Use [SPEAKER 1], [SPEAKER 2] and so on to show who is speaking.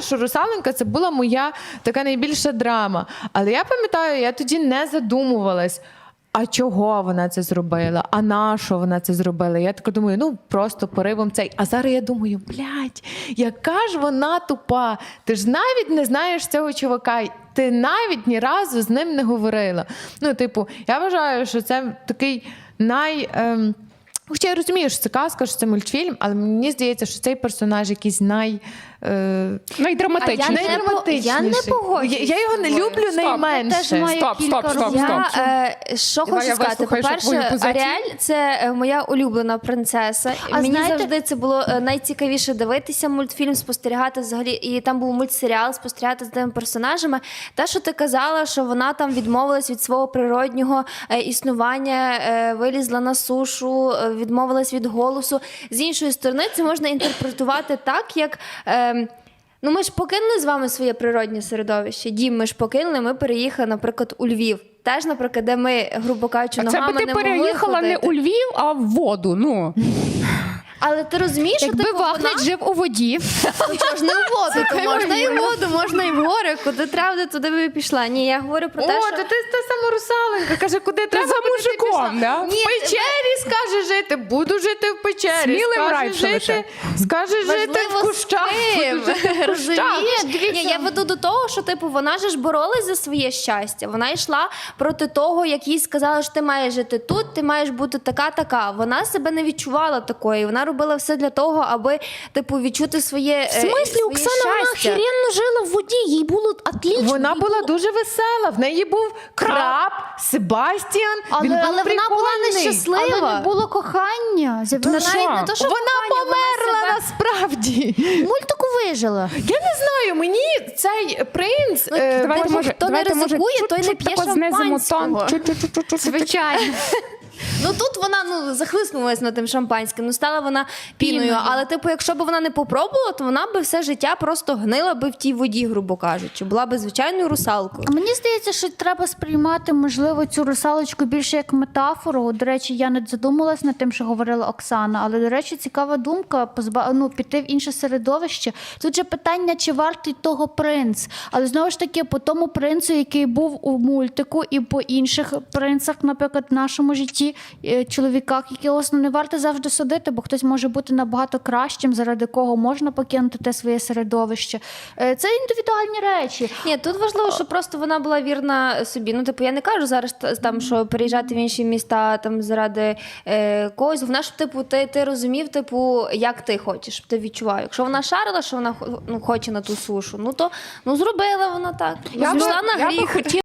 [SPEAKER 1] пам'ятала, що «Русаленька» – це була моя така найбільша драма. Але я пам'ятаю, я тоді не задумувалась, а чого вона це зробила? А на що вона це зробила? Я така думаю, ну просто поривом цей. А зараз я думаю, блядь, яка ж вона тупа. Ти ж навіть не знаєш цього чувака. Ти навіть ні разу з ним не говорила. Ну, типу, я вважаю, що це такий Хоча я розумію, що це казка, що це мультфільм, але мені здається, що цей персонаж якийсь
[SPEAKER 2] найдраматичніший.
[SPEAKER 3] Я не погоджуюсь.
[SPEAKER 1] Я його не люблю найменше.
[SPEAKER 2] Стоп.
[SPEAKER 3] Що хочу сказати? По-перше, Аріель – це моя улюблена принцеса. Мені завжди це було найцікавіше дивитися мультфільм, спостерігати взагалі. І там був мультсеріал, спостерігати з тими персонажами. Те, що ти казала, що вона там відмовилась від свого природнього існування, вилізла на сушу, відмовилась від голосу. З іншої сторони, це можна інтерпретувати так, як... Ну, ми ж покинули з вами своє природне середовище. Дім ми ж покинули, ми переїхали, наприклад, у Львів. Теж, наприклад, де ми, грубо кажучи, ногами не могли ходити.
[SPEAKER 2] Це би ти переїхала не у Львів, а в воду, ну.
[SPEAKER 3] Але ти розумієш, що
[SPEAKER 4] якби Вахнич жив у воді.
[SPEAKER 3] Чого ж не в воду, то можна і в воду, можна і в гори, куди треба, туди би пішла. Ні, я говорю про те, що...
[SPEAKER 1] О, то ти та сама «Русаленька», каже, куди треба,
[SPEAKER 2] за
[SPEAKER 1] куди ти
[SPEAKER 2] мужиком,
[SPEAKER 1] пішла.
[SPEAKER 2] да?
[SPEAKER 1] В печері скаже жити, буду жити в печері.
[SPEAKER 2] Смілим райфом
[SPEAKER 1] скаже жити в кущах.
[SPEAKER 3] Ні, я веду до того, що типу вона ж боролась за своє щастя. Вона йшла проти того, як їй сказали, що ти маєш жити тут, ти маєш бути така. Вона себе не відчувала такої. Вона робила все для того, аби типу відчути своє
[SPEAKER 4] В смислі, Оксана, вона охеренно жила в воді, їй було отлично.
[SPEAKER 1] Вона була дуже весела, в неї був краб, Себастьян,
[SPEAKER 3] але вона була нещаслива.
[SPEAKER 4] Але не було кохання.
[SPEAKER 3] Не то, що
[SPEAKER 1] вона померла насправді.
[SPEAKER 4] Мультику вижила.
[SPEAKER 1] Я не знаю, мені цей принц...
[SPEAKER 3] Хто не ризикує, той не п'є шампанського.
[SPEAKER 4] Звичайно.
[SPEAKER 3] Ну тут вона захлиснулась над тим шампанським, стала вона піною. Але типу, якщо б вона не попробувала, то вона би все життя просто гнила би в тій воді, грубо кажучи. Була би звичайною русалкою.
[SPEAKER 4] Мені здається, що треба сприймати, можливо, цю русалочку більше як метафору. До речі, я не задумалась над тим, що говорила Оксана, але, до речі, цікава думка піти в інше середовище. Тут же питання, чи вартий того принц. Але, знову ж таки, по тому принцу, який був у мультику, і по інших принцах, наприклад, в нашому житті, чоловіках, яких не варто завжди судити, бо хтось може бути набагато кращим, заради кого можна покинути те своє середовище. Це індивідуальні речі.
[SPEAKER 3] Ні, тут важливо, що просто вона була вірна собі. Ну, типу, я не кажу зараз там, що переїжджати в інші міста там заради когось. Головне, щоб типу, ти розумів, типу, як ти хочеш, щоб ти відчував. Якщо вона шарила, що вона хоче на ту сушу, то зробила вона так. Пішла на гріх.